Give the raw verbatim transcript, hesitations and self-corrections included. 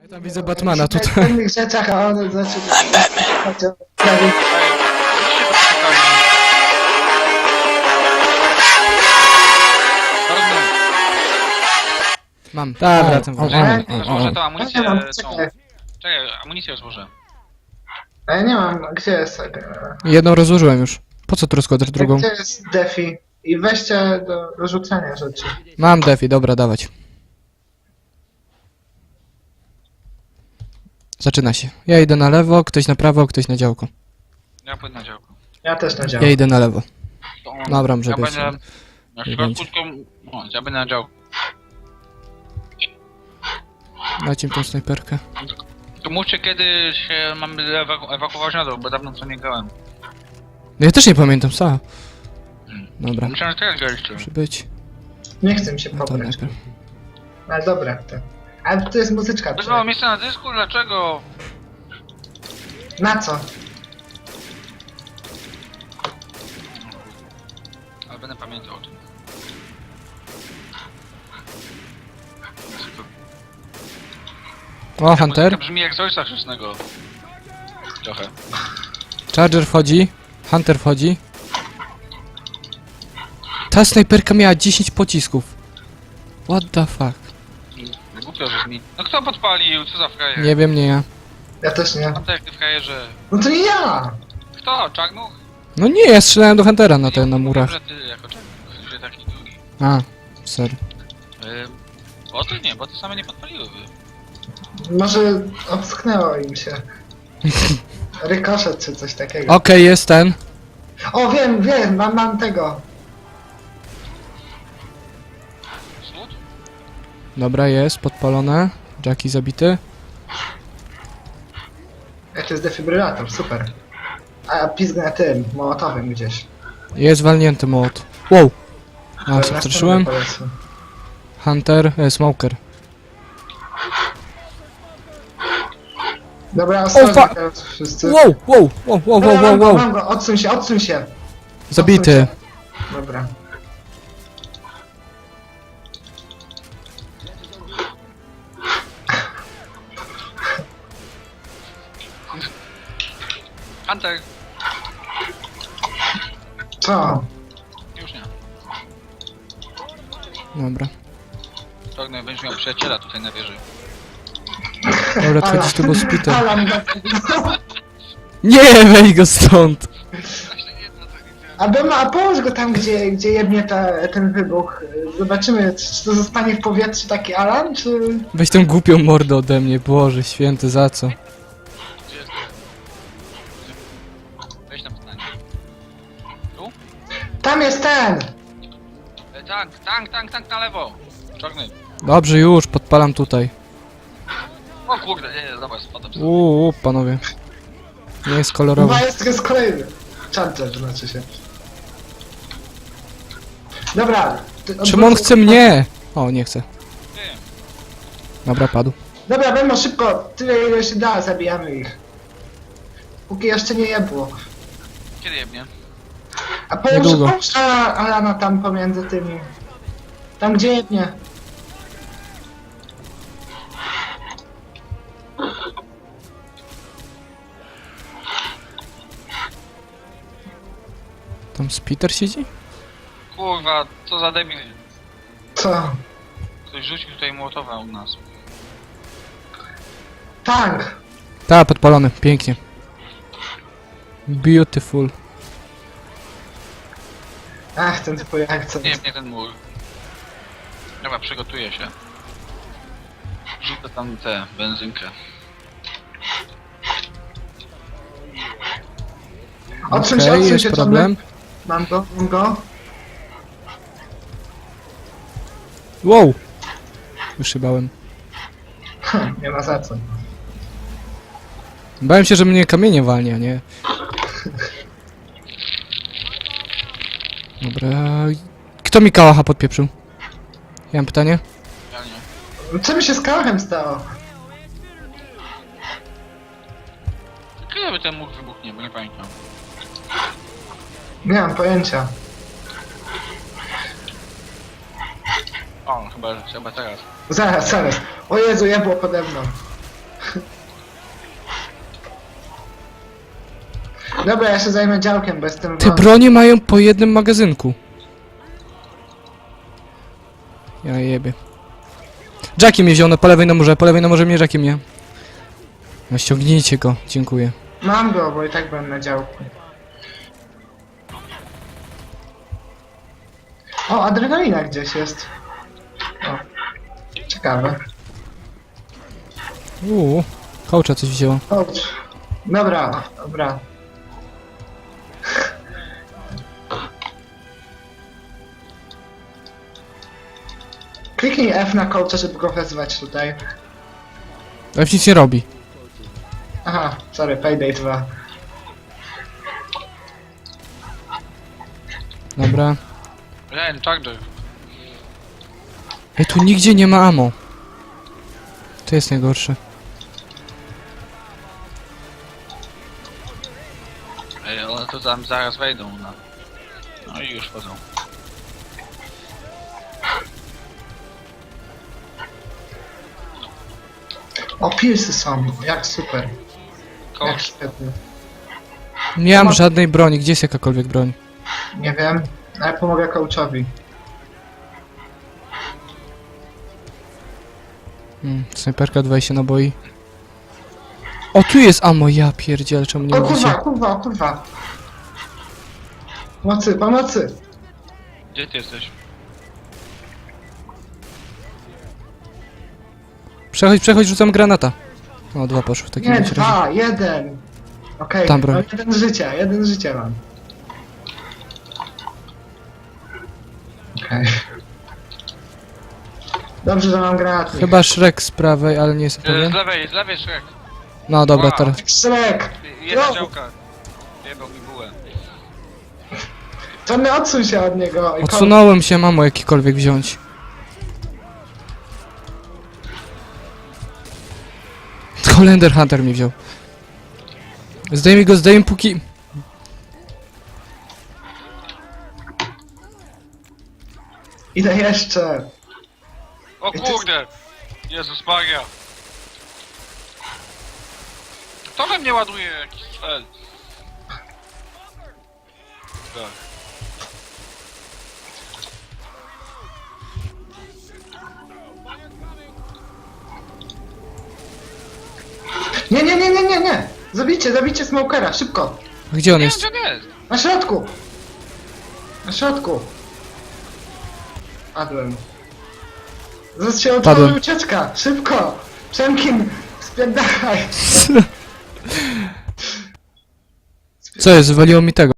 Tam widzę Batmana W tutaj. innych rzeczach, a one znaczy... Mam. Tak, O, wracam, o, wracam. o, Złożę tą amunicję, Ja mam, tą... czekaj. Czekaj, amunicję złożę. A ja nie mam, gdzie jest... e, Jedną rozłożyłem już. Po co tu rozkładasz drugą? Gdzie jest defi? I weźcie do rozrzucania rzeczy. Mam defi, dobra, dawać. Zaczyna się. Ja idę na lewo, ktoś na prawo, ktoś na działko. Ja pójdę na działko. Ja też na Ja działku. idę na lewo. To Dobra, może ja być. będę na Nie środku, będzie. tylko... No, ja będę na działku. Dajcie mi tą snajperkę. To mówcie, kiedy się mamy ewaku ewakuować na dół, bo dawno co nie grałem. No ja też nie pamiętam, co? Dobra, Myślałem, że teraz graliście. muszę być. Nie chcę mi się No to pobrać. najpierw. Ale dobra, to... Ale to jest muzyczka. Bez mało miejsca na dysku, dlaczego? Na co? Ale będę pamiętał o tym. O, Hunter. To brzmi jak z ojca chrzestnego. Trochę. Charger wchodzi. Hunter wchodzi. Ta snajperka miała dziesięć pocisków. What the fuck? Głupio brzmi. No kto podpalił? Co za frajer? Nie wiem, nie ja. Ja też nie. A tak, ty frajerze. No to nie ja! Kto? Czarnuch? No nie, ja strzelałem do Huntera na te, na murach. Że ty jako czarnuch, w sensie taki drugi. A, ser. Ym, boty nie, boty same nie podpaliłyby. Może obsknęło im się. Rykoszet czy coś takiego. Okej, jest ten. O, wiem, wiem, mam, mam tego. Słud? Dobra, jest, podpalone. Jackie zabity. Jak to jest defibrylator, super. A pizgnę tym, mołotowym gdzieś. Jest walnięty młot. Wow! A, Następny przestraszyłem. polecę. Hunter, e, smoker. Dobra, fa- ostrożnie teraz wszyscy. Wow, wow, wow, wow, Dobra, wow, mam wow, go, wow. mam go, odsuń się, odsuń się. Zabity. Odsuń się. Dobra. Hunter! Co? Już nie. Dobra. Czarny będziesz miał przyjaciela tutaj na wieży. Dobra, odchodzić tu, bo Spiter. Alan, Nie, weź go stąd! a Bema, a połóż go tam, gdzie, gdzie jebnie ta, ten wybuch. Zobaczymy, czy to zostanie w powietrzu taki Alan, czy... Weź tą głupią mordę ode mnie, Boże święty, za co? Gdzie jest ten? Weź tam stanie. Tu? Tam jest ten! E, tank, tank, tank, tank na lewo! Czarny. Dobrze, już, podpalam tutaj. O kurde, nie, nie, dobra, spadam sobie. Uuu, panowie. Nie jest kolorowo. Chyba jest, jest kolejny. Charger znaczy się. Dobra. ty- Czym on odwróć- chce mnie? O, nie chce. Ty, Dobra, padł. Dobra, Bemo, szybko, tyle ile się da, zabijamy ich. Póki jeszcze nie jebło. kiedy jebnie? A połóż, Niedługo. połóż Ala- Alana tam pomiędzy tymi. Tam gdzie jebnie. Tam Spiter siedzi? Kurwa, co za debil. Co? Ktoś rzucił tutaj mołotowa u nas. Tank! Ta, podpalony, pięknie. Beautiful. Ach, ten twój akcent. Nie jebnie ten mur. Dobra, przygotuję się. Rzucę tam tę benzynkę. Odsuń się, Okej, odsuń jest się, problem. Tomek. Mam go, mam go. Wow! Już się bałem. Hm, nie ma za co. Bałem się, że mnie kamienie walnie, a nie? Dobra... Kto mi kałacha podpieprzył? Ja mam pytanie? Ja nie. Co mi się z kałachem stało? Kiedy by ten mur wybuchnie, bo nie pamiętam. Nie mam pojęcia. O, chyba, chyba teraz. Zaraz, zaraz. O Jezu, jebło pode mną. Dobra, ja się zajmę działkiem, bo jestem Te wolny. bronie mają po jednym magazynku. Ja jebie. Jackie mnie wziął, no po lewej na murze, po lewej na murze mnie Jackie mnie. No ściągnijcie go, dziękuję. Mam go, bo i tak byłem na działku. O, adrenalina gdzieś jest. O, ciekawe. Uuu, kołcza coś wzięło. Chodź. Dobra, dobra. Kliknij F na kołcze, żeby go wezwać tutaj. Ale nic nie robi. Aha, sorry, Payday dwa. Dobra. Ren, Charger. Ej, tu nigdzie nie ma ammo. To jest najgorsze. Ej, one to tam zaraz wejdą na... No i już wchodzą. O, pilsy są, jak super. Jak Coach. świetnie. Nie mam żadnej broni, gdzie jest jakakolwiek broń? Nie wiem, ale pomogę coachowi. Hmm, snajperka dwadzieścia naboi. O, tu jest ammo, ja pierdzielę, czemu nie O mogę kurwa, się... kurwa, kurwa. Pomocy, pomocy. Gdzie ty jesteś? Przechodź, przechodź, rzucam granata. O, dwa poszły w takim Nie, razie. dwa, jeden. Okej, Tam broń. mam jeden życia, jeden życia mam. Okej. Dobrze, że mam granaty. Chyba Shrek z prawej, ale nie jestem E, z pewien. lewej, z lewej Shrek. No dobra, Wow. teraz. Szrek! Jedna No. działka. Jebał mi bułę. Johnny, odsuń się od niego. i Odsunąłem się, mamo jakikolwiek wziąć. Holender Hunter mi wziął. Zdejmij go, zdejmij póki... Idę jeszcze. O I to jest- kurde! Jezus Maria! Kto we mnie ładuje jakiś strzel? Tak. Nie, nie, nie, nie, nie, nie. Zabijcie, zabijcie smokera, szybko. Gdzie on Nie wiem, jest? gdzie on jest! Na środku. Na środku. Padłem. Zaraz się Padłem. otworzy ucieczka, szybko. Przemkin, spierdachaj. Co jest? Wywaliło mi tego.